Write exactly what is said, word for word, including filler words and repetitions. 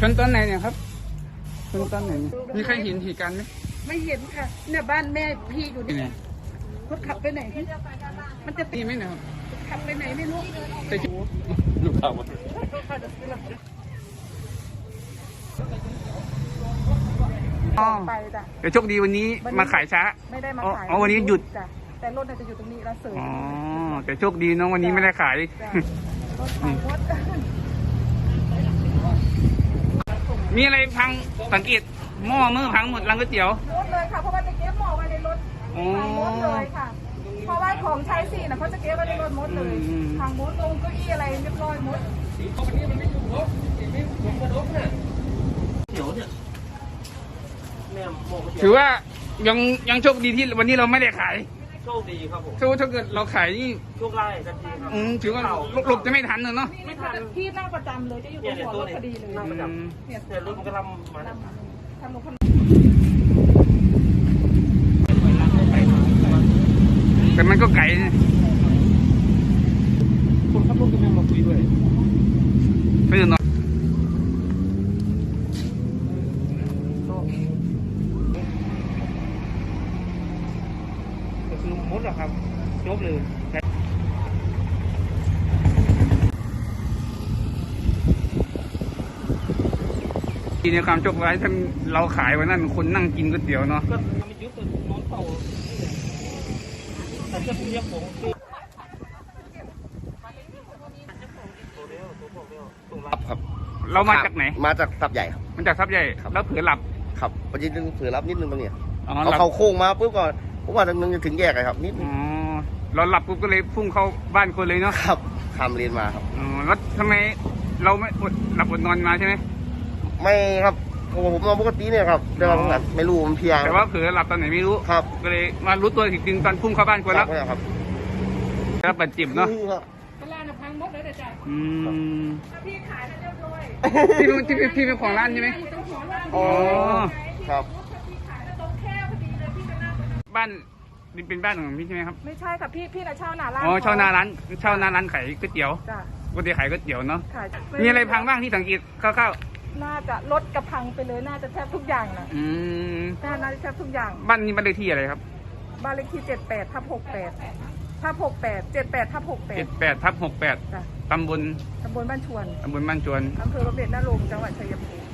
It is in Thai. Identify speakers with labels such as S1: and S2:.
S1: นตอนไหนเนี่ยครับชนตอนไหนมีใครเห็นเหตุการณ์ไหม
S2: ไม่เห็นค่ะเนี่ยบ้านแม่พี่อยู่นี่รถขับไปไหนมันจะตี
S1: ตีไหมเนี่ยครับ
S2: ขับไปไหนไม่รู้
S1: ไปลูกสาว
S2: ไปจ้ะ
S1: เดี๋ยวโชคดีวันนี้มาขายช้า
S2: ไม่ได้มาขาย
S1: อ๋อวันนี้หยุด
S2: จ้ะแต่รถจะอยู่ตรงนี้แล้วเสริม
S1: อ๋อแต่โชคดีน้องวันนี้ไม่ได้ขาย
S2: รถพังรถ
S1: มีอะไรพังสังเกตหม้อมือพังหมดรังก๋วยเตี๋ยว
S2: รถเลยค่ะเพราะว่าจะเก็บหม้อไว้ในรถพังหมดเลยค่ะเพราะว่าของใช้สี่นะเขาจะเก็บไว้ในรถหมดเลยพังหมดลงเก้าอี้อะไรเรียบร้อยหมด
S1: ถือว่ายังยังโชคดีที่วันนี้เราไม่ได้ขาย
S3: โชคดีครับผม
S1: ถ้าถ้าเกิดเราขายนี่
S3: โชคไล่ทันทีครับ
S1: อืมถือว่าหลบจะไม่ทันเนาะ
S2: ไม่ทันที่นั่งประจำเลยจะอยู่ตรงหัวรถพอดีเลย
S3: นั่งประจำเนี่ยรถมันก็ลำมา
S2: ทำรถพัน
S1: แต่มันก็ไกล
S3: คนขับรถก็ไม่มาคุยด้วย
S1: ไม่ตื่นนอนมดหรอครับจบเลยทีในความโชคร้ายท่านเราขายวันนั้นคนนั่งกินก๋วยเตี๋ยวเนาะ
S3: ก็ไม่ยุบเลยนอนเป่าแต่จะเรียกผม
S4: ครับครับ
S1: เรามาจากไหน
S4: มาจากทับใหญ่ครับ
S1: มาจากทับใหญ่แล้วเผือหลับ
S4: ครับประเด็นนึงเผือหลับนิดนึงตรงนี้
S1: เอา
S4: เขาโค้งมาปุ๊บก่อนผมว่าตรงนึงจะถึงแยกเลยครับนิดนึง
S1: อ๋อเราหลับปุ๊บก็เลยพุ่งเข้าบ้านคนเลยเนาะ
S4: ครับข้ามเลนมาครับ
S1: อ๋อแล้วทำไมเราไม่อดหลับอดนอนมาใช่ไหม
S4: ไม่ครับผมนอนปกติเนี่ยครับแต่ว่าผมไม่รู้มันเพียง
S1: แต่ว่าเผือหลับตอนไหนไม่รู้
S4: ครับ
S1: ก็เลยมารู้ตัวอีกทีตอนพุ่งเข้าบ้านคนแล้ว
S4: ครับ
S1: แล้วบาดเจ็บเนาะ
S2: เวลาหนักพังหมดเลยเดี๋ยวจ่าย
S1: อืม
S2: พี่ขายแล้วเรียบร้อย
S1: พี่เป็นพี่พี่เป็นของร้านใช่ไหม
S4: อ๋อครับ
S1: บ้านนี่เป็นบ้านของพี่ใช่ไหมครับ
S2: ไม่ใช่ค่ะพี่พี่น่ะเช่าหน้าร้าน
S1: อ๋อเช่าหน้าร้านเช่าหน้าร้านขายก๋วยเตี๋ยว
S2: จ้ะ
S1: ก๋วยเตี๋ยวขายก๋วยเตี๋ยวเนาะ
S2: มี
S1: มีอะไรพังบ้างที่สังเกตคร่าว
S2: ๆน่าจะรถกระพังไปเลยน่าจะแทบทุกอย่างนะ
S1: อืม
S2: น่าจะแทบทุกอย่าง
S1: บ้านนี้บ้านเลขที่อะไรครับ
S2: บ้านเลขที่เจ็ดแปดทับหกแปดทับหกแปดเจ็ดแปดทับหกแปด
S1: เจ็ดแปดทับหกแปดตำบล
S2: ตำบลบ้านชวน
S1: ตำบลบ้านชวน
S2: อำเภอบำเหน็จนรงค์จังหวัดชัยภูมิ